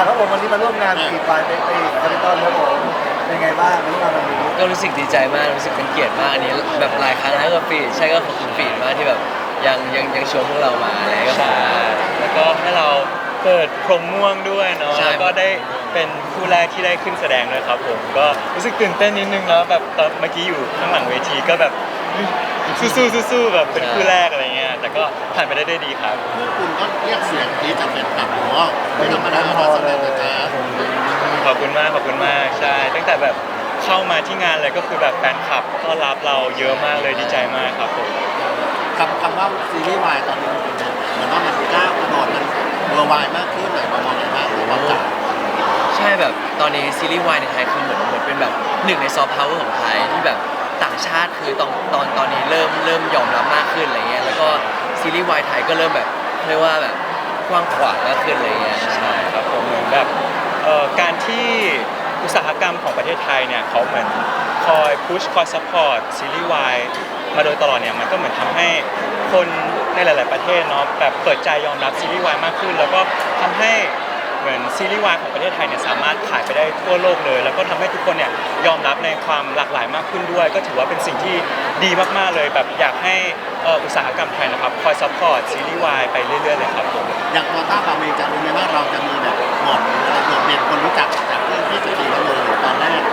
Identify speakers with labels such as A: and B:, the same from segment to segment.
A: ครับผมวันนี้มาร่วมงานปีปลายปีคาริตอนครับผมเป็นไงบ้างร่วมงานวันนี้
B: ก็รู้สึกดีใจมากรู้สึกเป็นเกียรติมากอันนี้แบบหลายครั้งแล้วกับฟีดใช่ก็ขอบคุณฟีดมากที่แบบยังชวนพวกเรามาอะไรก็ขอบ
C: ใช่
B: คุณมาก
C: แล้วก็ให้เราเปิดพรมม่วงด้วยเนาะ
B: ใช่
C: แล้วก็ได้เป็นคู่แรกที่ได้ขึ้นแสดงด้วยครับผมก็รู้สึกตื่นเต้นนิดนึงแล้วแบบตอนเมื่อกี้อยู่ข้างหลังเวทีก็แบบสู้ๆแบบเป็นคู่แรกอะไรเงี้ยแต่ก็ผ่านไปได้ด้วยดีครับ
D: พวกคุณก็เรียกเสียงกรี๊ดจากแฟนคลับผมว่าไม่ธรรมดามาแสดงนะจ๊ะ
C: ขอบคุณมากใช่ตั้งแต่แบบเข้ามาที่งานเลยก็คือแบบแฟนคลับต้อนรับเราเยอะมากเลยดีใจมากครับผม
D: คำว่าซีรีส์วายตอนนี้เหมือนว่ามันก้าวกระโดดมันเวอร์วายมากขึ้นหน่อยประมาณไหนบ้างหรือว่าจ๋า
B: ใช่แบบตอนนี้ซีรีส์วายในไทยคือเหมือนเป็นแบบหนึ่งในซอฟต์พาวเวอร์ของไทยที่แบบต่างชาติคือตอนนี้เริ่มยอมรับมากขึ้นอะไรเงี้ยแล้วก็ซีรีส์วายไทยก็เริ่มแบบเรียกว่าแบบกว้างขวางมากขึ้นอะไรเงี้ย
C: ใช่ครับผมเหมือนแบบการที่อุตสาหกรรมของประเทศไทยเนี่ยเขาเหมือนคอยพุชคอยซัพพอร์ตซีรีส์วายมาโดยตลอดเนี่ยมันก็เหมือนทำให้คนในหลาย ๆประเทศเนาะแบบเปิดใจยอมรับซีรีส์วายมากขึ้น แล้วก็ทำให้เหมือนซีรีส์วายของประเทศไทยเนี่ยสามารถขายไปได้ทั่วโลกเลย แล้วก็ทำให้ทุกคนเนี่ยยอมรับในความหลากหลายมากขึ้นด้วย ก็ถือว่าเป็นสิ่งที่ดีมาก ๆ เลยแบบอยากให้อุตสาหกรรมไทยนะครับคอยซัพพอร์ตซีรีส์วายไปเรื่อย ๆ เลยครับผม
D: อย่างพอต้าบาเมงจะรู้ไหมว่าเราจะมีแบบหมดหรืออะไรโดดเด่นคนรู้จักจากเรื่องที่จะดีเราเลยตอนแรก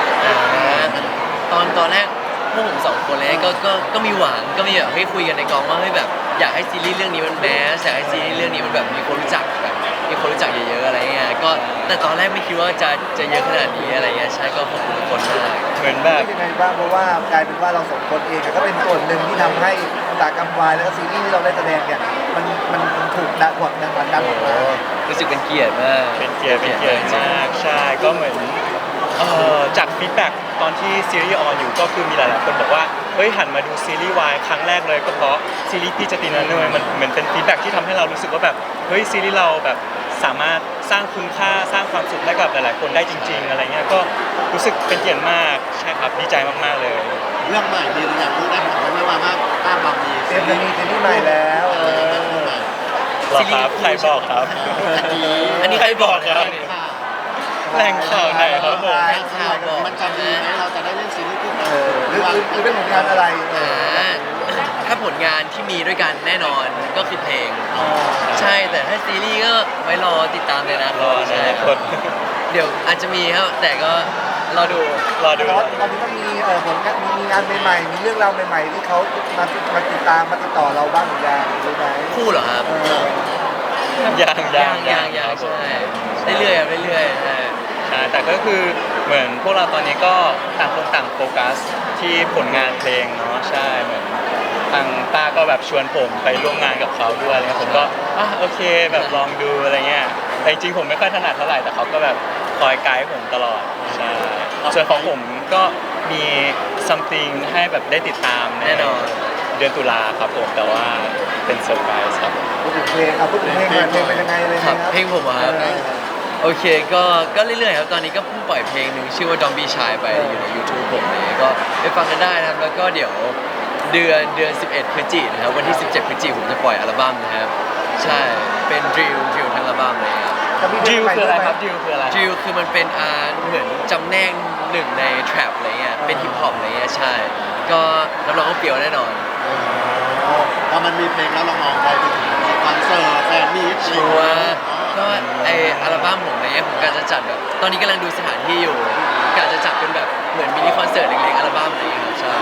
B: ตอนแรกพวกผมสองคนเลยก็มีหวังก็มีแบบให้คุยกันในกองว่าเฮ้ยแบบอยากให้ซีรีส์เรื่องนี้มันแมสอยากให้ซีรีส์เรื่องนี้มันแบบมีคนรู้จักแบบมีคนรู้จักเยอะๆอะไรเงี้ยก็แต่ตอนแรกไม่คิดว่าจะเยอะขนาดนี้อะไรเงี้ยใช่ก็ขอบคุณทุกคนมาก
C: เหมือนแบบ
A: เป็นยังไงบ้างเพราะว่ากลายเป็นว่าเราสองคนเองก็เป็นส่วนหนึ่งที่ทำให้อุตสาหกรรมวายแล้วก็ซีรีส์ที่เราได้แสดงเนี่ยมันถูกดันดันออกมา
B: รู้สึกเป็นเกียรติมาก
C: เป็นเกียรติมากใช่ก็เหมือนจากฟีดแบ็กตอนที่ซีรีส์ออนอยู่ก็คือมีหลายๆคนบอกว่าเฮ้ยหันมาดูซีรีส์วายครั้งแรกเลยก็เพราะซีรีส์พี่จตินาเนยมันเหมือนเป็นฟีดแบ็กที่ทำให้เรารู้สึกว่าแบบเฮ้ยซีรีส์เราแบบสามารถสร้างคุณค่าสร้างความสุขให้กับหลายๆคนได้จริง ๆ อะไรเงี้ยก็รู้สึกเป็นเกียรติมากใช่ครับดีใจมากๆเลย
D: เรื่องใหม่ดีหรือยังรู้ได้ผมไม่ว่าต้าบาเมง
A: เตรียมจะมีซีรีส์ใหม่แล้ว
C: หรอครับใครบอกครับ
B: อันนี้ใครบอกครับ แหล่งข่าวไหนครับผมข่าวบอก
D: มันจะดีไหมเราจะได้เล่นซีรีส์คู่กัน
A: หรือเป็นผลงานอะไร
B: ถ้าผลงานที่มีด้วยกันแน่นอนก็คือเพลง ใช่แต่ถ้าซีรีส์ก็ไว้รอติดตามเลยนะ
C: รอใน
B: ใช่
C: อนาคต
B: เดี๋ยวอาจจะมีครับแต่ก็รอดู
C: รอดู
A: ตอนนี้ก็มีผลงานมีงานใหม่ๆมีเรื่องราวใหม่ๆที่เขามาติดตามมาติดต่อเราบ้างหรือยังรู้ไหม
B: คู่เหรอครับ
C: ยัง
B: ใช่เรื่อยๆครับเรื่อยๆใช่
C: ใช่แต่ก็คือเหมือนพวกเราตอนนี้ก็ต่างคนต่างโฟกัสที่ผลงานเพลงเนาะใช่เหมือนทางต้าก็แบบชวนผมไปร่วมงานกับเขาด้วยอะไรเงี้ยผมก็โอเคแบบลองดูอะไรเงี้ยแต่จริงๆผมไม่ค่อยถนัดเท่าไหร่แต่เขาก็แบบคอยไกด์ผมตลอดใช่ส่วนของผมก็มี something ให้แบบได้ติดตาม
B: แน่นอน
C: เดือนตุลาครับผมแต่ว่าเป็นเซอร์ไพรส์ครับ
A: พูดถึงเพลงพูดถึงเพลงก่อนเพลงเป็นยังไงเลย
B: ครับ
A: นะครับ
B: เพลงผมอะครับโอเคก็เรื่อยๆครับตอนนี้ก็เพิ่งปล่อยเพลงหนึ่งชื่อว่า Don't Be Shy ไปอยู่ใน YouTube ผมเลยก็ไปฟังกันได้นะครับแล้วก็เดี๋ยวเดือน11พฤศจิกายนนะครับวันที่ 17พฤศจิกายนผมจะปล่อยอัลบั้มนะครับใช่เป็นดริลทั้งอัลบั้มเลยครับ
C: ดิวคืออะไรครับดิวคืออะไร
B: ดริลคือมันเป็นเหมือนจำแนกหนึ่งในแทร็ปอะไรเงี้ยเป็นฮิปฮอปอะไรเงี้ยใช่ก็รับรองว่าเปรี้ยวแน่นอน
D: พอมันมีเพลงแล้วเรามองไปถึงคอนเสิร์ตแฟนมีต
B: ชัวร์ก็ไออัลบั้มผมอะไรเงี้ยผมกะจะจัดแบบตอนนี้กำลังดูสถานที่อยู่กะจะจัดเป็นแบบเหมือนมินิคอนเสิร์ตเล็กๆอัลบั้มอะไรเงี้ยครับใช่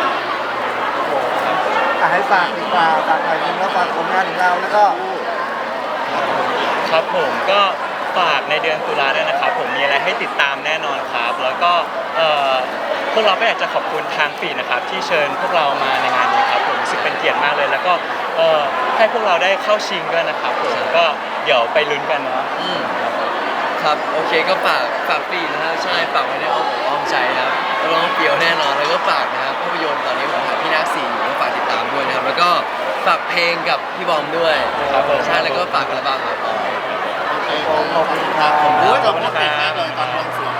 A: ให้ฝากดีกว่าฝากหน่อยนึงแล้วฝากผลงานของเราแล้วก็
C: ครับผมก็ฝากในเดือนตุลาด้วยนะครับผมมีอะไรให้ติดตามแน่นอนครับแล้วก็พวกเราก็อยากจะขอบคุณทางฟีดนะครับที่เชิญพวกเรามาในงานนี้ครับผมรู้สึกเป็นเกียรติมากเลย แล้วก็ให้พวกเราได้เข้าชิงด้วยนะครับผมก็เดี๋ยวไปลุ้นกันเนาะ
B: ครับโอเคก็ฝากปีนะครับใช่ฝากไว้ในอ้อมอกอ้อมใจนะครับรับรองว่าเปรี้ยวแน่นอนแล้วก็ฝากนะครับภาพยนตร์ตอนนี้ผมถ่ายพี่นาค4อยู่ก็ฝากติดตามด้วยนะครับแล้วก็ฝากเพลงกับพี่บอมด้วย
C: ครับผม
B: ใช่แล้วก็ฝากอัลบั้มครับ
D: ขอบคุณครับผมรู้ว่าเราเก่งมากเลยตอนบวงสรวง